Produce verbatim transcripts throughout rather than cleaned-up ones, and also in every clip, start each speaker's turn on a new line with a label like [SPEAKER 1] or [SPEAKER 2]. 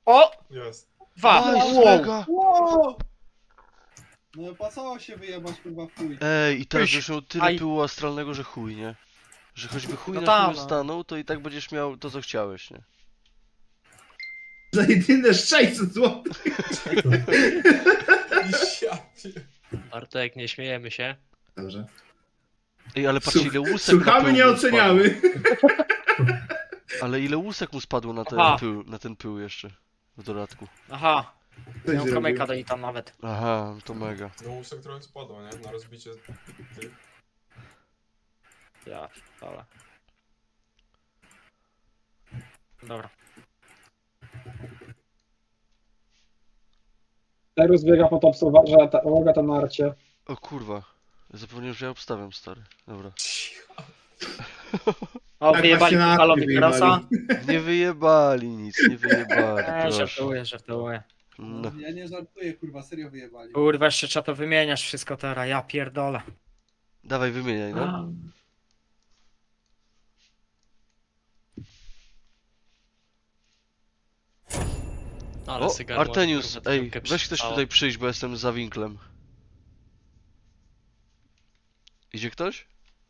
[SPEAKER 1] O!
[SPEAKER 2] Jest.
[SPEAKER 1] Dwa!
[SPEAKER 3] Nice,
[SPEAKER 1] Wow.
[SPEAKER 3] mega!
[SPEAKER 4] Wow! No opłacało się wyjebać kurwa w chuj.
[SPEAKER 3] Ej, i teraz
[SPEAKER 1] Pyś.
[SPEAKER 3] już miał tyle
[SPEAKER 1] Aj.
[SPEAKER 3] pyłu astralnego, że chuj, nie? Że choćby chuj
[SPEAKER 1] No
[SPEAKER 3] na
[SPEAKER 1] tam,
[SPEAKER 3] chuju
[SPEAKER 1] no.
[SPEAKER 3] stanął, to i tak będziesz miał to, co chciałeś, nie?
[SPEAKER 4] Za jedyne sześćset złotych.
[SPEAKER 2] Ja pier...
[SPEAKER 5] Bartek, nie śmiejemy się.
[SPEAKER 4] Dobrze.
[SPEAKER 3] Ej, ale patrzcie,
[SPEAKER 4] Słuch-
[SPEAKER 3] ile łusek na
[SPEAKER 4] Słuchamy,
[SPEAKER 3] pył
[SPEAKER 4] nie
[SPEAKER 3] mu
[SPEAKER 4] oceniamy.
[SPEAKER 3] spadło. Ale ile łusek mu spadło na ten
[SPEAKER 1] Aha.
[SPEAKER 3] pył, na ten pył jeszcze. W dodatku.
[SPEAKER 1] Aha,
[SPEAKER 4] Coś
[SPEAKER 1] miał
[SPEAKER 4] zrobił.
[SPEAKER 1] kamyka do niej tam nawet.
[SPEAKER 3] Aha, to mega.
[SPEAKER 2] No łusek trochę spadł, nie? Na rozbicie tych.
[SPEAKER 1] Ja, ale. Dobra.
[SPEAKER 6] Terus biega po topsowarze, a ta uwaga tam na arcie.
[SPEAKER 3] O kurwa. Zapomniałem, że ja obstawiam, stary. Dobra.
[SPEAKER 1] O,
[SPEAKER 4] Tak,
[SPEAKER 1] wyjebali
[SPEAKER 4] właśnie na
[SPEAKER 1] Kukalowi
[SPEAKER 4] akty
[SPEAKER 1] Krosa.
[SPEAKER 3] Nie wyjebali nic, nie wyjebali,
[SPEAKER 1] Eee,
[SPEAKER 3] proszę.
[SPEAKER 1] żartuję, żartuję.
[SPEAKER 3] No.
[SPEAKER 4] Ja nie żartuję, kurwa, serio wyjebali.
[SPEAKER 1] Kurwa, jeszcze trzeba to wymieniać wszystko teraz, ja pierdolę.
[SPEAKER 3] Dawaj, wymieniaj, no.
[SPEAKER 5] Ale
[SPEAKER 3] O,
[SPEAKER 5] sygar
[SPEAKER 3] Artenius,
[SPEAKER 5] może, kurwa,
[SPEAKER 3] ej,
[SPEAKER 5] piłkę
[SPEAKER 3] weź ktoś
[SPEAKER 5] przystało.
[SPEAKER 3] tutaj przyjść, bo jestem za winklem. Idzie ktoś?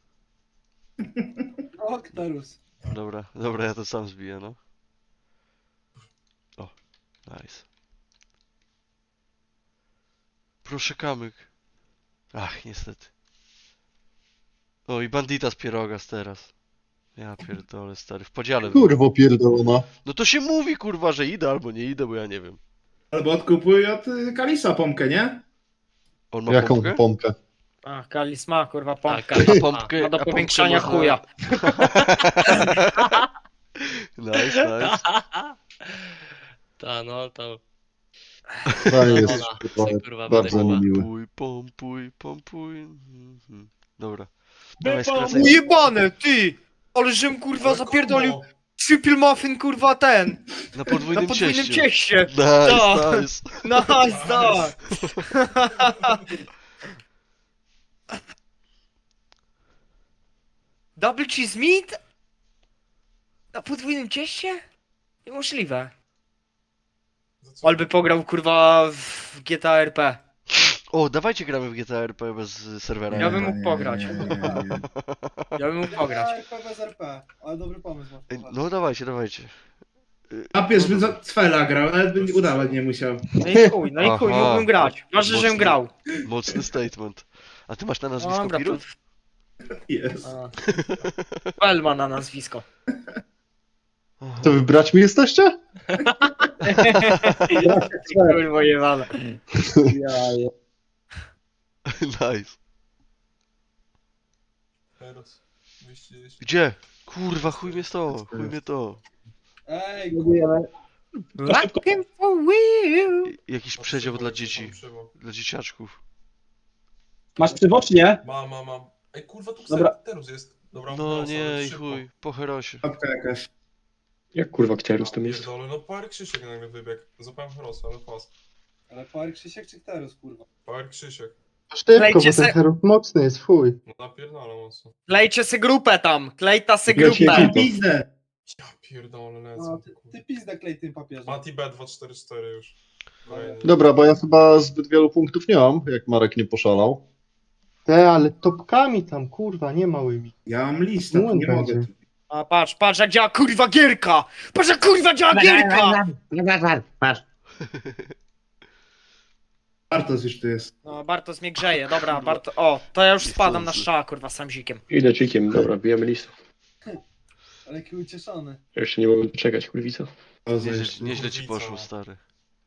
[SPEAKER 4] O, Kterus.
[SPEAKER 3] Dobra, dobra, ja to sam zbiję, no. O, nice. Proszę kamyk. Ach, niestety. O, i bandita z Pierogas teraz. Ja pierdolę, stary, w podziale.
[SPEAKER 7] Kurwo pierdolona.
[SPEAKER 3] No to się mówi, kurwa, że idę albo nie idę, bo ja nie wiem.
[SPEAKER 4] Albo odkupuj od y, Kalisa pompkę, nie?
[SPEAKER 3] On ma
[SPEAKER 7] Jaką
[SPEAKER 3] pompkę?
[SPEAKER 7] pompkę?
[SPEAKER 1] A, Kalis ma kurwa
[SPEAKER 5] Tak,
[SPEAKER 1] pompkę.
[SPEAKER 5] Kalis
[SPEAKER 3] A pompkę,
[SPEAKER 1] Ma do
[SPEAKER 3] a pompkę
[SPEAKER 1] powiększania
[SPEAKER 3] można-
[SPEAKER 1] chuja.
[SPEAKER 3] Nice, nice.
[SPEAKER 5] Ta, no to...
[SPEAKER 7] To jest
[SPEAKER 5] Ona,
[SPEAKER 7] kurwa,
[SPEAKER 5] co, kurwa,
[SPEAKER 7] bardzo
[SPEAKER 5] wydechła.
[SPEAKER 7] niemiły.
[SPEAKER 3] Pompuj, pompuj, pompuj. Mhm. Dobra. Dawaj, skracaj.
[SPEAKER 1] Ujebane, ty! Ale żem kurwa
[SPEAKER 2] Ale
[SPEAKER 1] zapierdolił
[SPEAKER 2] kombo.
[SPEAKER 1] triple muffin kurwa ten!
[SPEAKER 3] Na
[SPEAKER 1] Na
[SPEAKER 3] podwójnym,
[SPEAKER 1] podwójnym
[SPEAKER 3] cieście.
[SPEAKER 1] cieście!
[SPEAKER 3] Nice,
[SPEAKER 1] Tak.
[SPEAKER 3] nice.
[SPEAKER 1] Nice, tak! Double cheese meat? Na podwójnym cieście? Niemożliwe.
[SPEAKER 2] Za co?
[SPEAKER 1] Alby pograł kurwa w G T A R P.
[SPEAKER 3] O, dawajcie gramy w G T A R P bez y, serwera.
[SPEAKER 1] Ja bym mógł pograć.
[SPEAKER 4] Nie, nie, nie, nie.
[SPEAKER 1] Ja bym mógł pograć.
[SPEAKER 4] R P bez R P, ale dobry pomysł masz.
[SPEAKER 3] Ej,
[SPEAKER 4] kurwa.
[SPEAKER 3] no dawajcie, dawajcie.
[SPEAKER 4] Papież by za Cwela grał, nawet by udawać nie musiał.
[SPEAKER 1] No i chuj, no i chuj,
[SPEAKER 3] Aha.
[SPEAKER 1] mógłbym grać. Ważne, żebym
[SPEAKER 3] Mocny.
[SPEAKER 1] grał.
[SPEAKER 3] Mocny statement. A ty masz na nazwisko
[SPEAKER 1] Dobra, to...
[SPEAKER 3] Pirut?
[SPEAKER 4] Jest.
[SPEAKER 1] A. Fel na nazwisko.
[SPEAKER 7] To wy braćmi jesteście?
[SPEAKER 1] Kurwa jebane.
[SPEAKER 6] Ja, ja.
[SPEAKER 3] Nice.
[SPEAKER 2] Teraz. dwieście dziesięć.
[SPEAKER 3] Gdzie? Kurwa, chuj mnie to, chuj mnie to.
[SPEAKER 4] Ej,
[SPEAKER 6] Budujemy.
[SPEAKER 1] Rockin' for real.
[SPEAKER 3] I- Jakiś
[SPEAKER 2] Mam
[SPEAKER 3] przedział
[SPEAKER 2] przybok,
[SPEAKER 3] dla
[SPEAKER 2] mam
[SPEAKER 3] dzieci,
[SPEAKER 2] przybok.
[SPEAKER 3] dla dzieciaczków.
[SPEAKER 6] Masz przywocznie?
[SPEAKER 2] Mam, mam, mam. Ej, kurwa, tu
[SPEAKER 6] Dobra.
[SPEAKER 2] Terus jest. Dobra,
[SPEAKER 3] No
[SPEAKER 2] Herosa,
[SPEAKER 3] nie,
[SPEAKER 2] ale
[SPEAKER 3] i
[SPEAKER 2] szybko.
[SPEAKER 3] chuj, po herosie.
[SPEAKER 4] papka jakaś.
[SPEAKER 7] Jak kurwa Kterus tam jest?
[SPEAKER 2] Pierdolę, no Power Krzysiek nagle wybiegł. Złapałem Herosa, ale pas.
[SPEAKER 4] Ale Power Krzysiek czy Kterus, kurwa?
[SPEAKER 2] Power Krzysiek.
[SPEAKER 7] Szybko,
[SPEAKER 1] Klejcie
[SPEAKER 7] bo
[SPEAKER 1] se-
[SPEAKER 7] ten herów mocny jest, fuj.
[SPEAKER 2] No napierdala mocno.
[SPEAKER 1] Klejcie se grupę tam, klejta se
[SPEAKER 7] Klejcie
[SPEAKER 1] grupę.
[SPEAKER 7] ekipę.
[SPEAKER 4] Pizdę!
[SPEAKER 2] Ja pierdolę,
[SPEAKER 4] No,
[SPEAKER 2] lecę.
[SPEAKER 4] ty, ty pizdę klej tym papieżem.
[SPEAKER 2] Mati B dwa cztery cztery już. Kolejny.
[SPEAKER 7] Dobra, bo ja chyba zbyt wielu punktów nie mam, jak Marek nie poszalał. Te, ale topkami tam, kurwa, nie małymi.
[SPEAKER 4] Ja mam listę,
[SPEAKER 7] No,
[SPEAKER 4] tu nie
[SPEAKER 7] będzie.
[SPEAKER 4] mogę.
[SPEAKER 1] A patrz, patrz jak działa kurwa gierka! Patrz jak kurwa działa gierka!
[SPEAKER 4] Bartos już tu jest.
[SPEAKER 1] No Bartos mnie grzeje, dobra Barto... O, to ja już spadam na strzała kurwa sam zikiem.
[SPEAKER 8] Idę cikiem, dobra, bijemy listę.
[SPEAKER 4] Ale jaki ucieszony.
[SPEAKER 8] Ja jeszcze nie mogę doczekać, kurwica.
[SPEAKER 4] O,
[SPEAKER 3] Nieźle,
[SPEAKER 4] zajesz.
[SPEAKER 3] nieźle ci
[SPEAKER 2] Kurwica.
[SPEAKER 3] poszło, stary.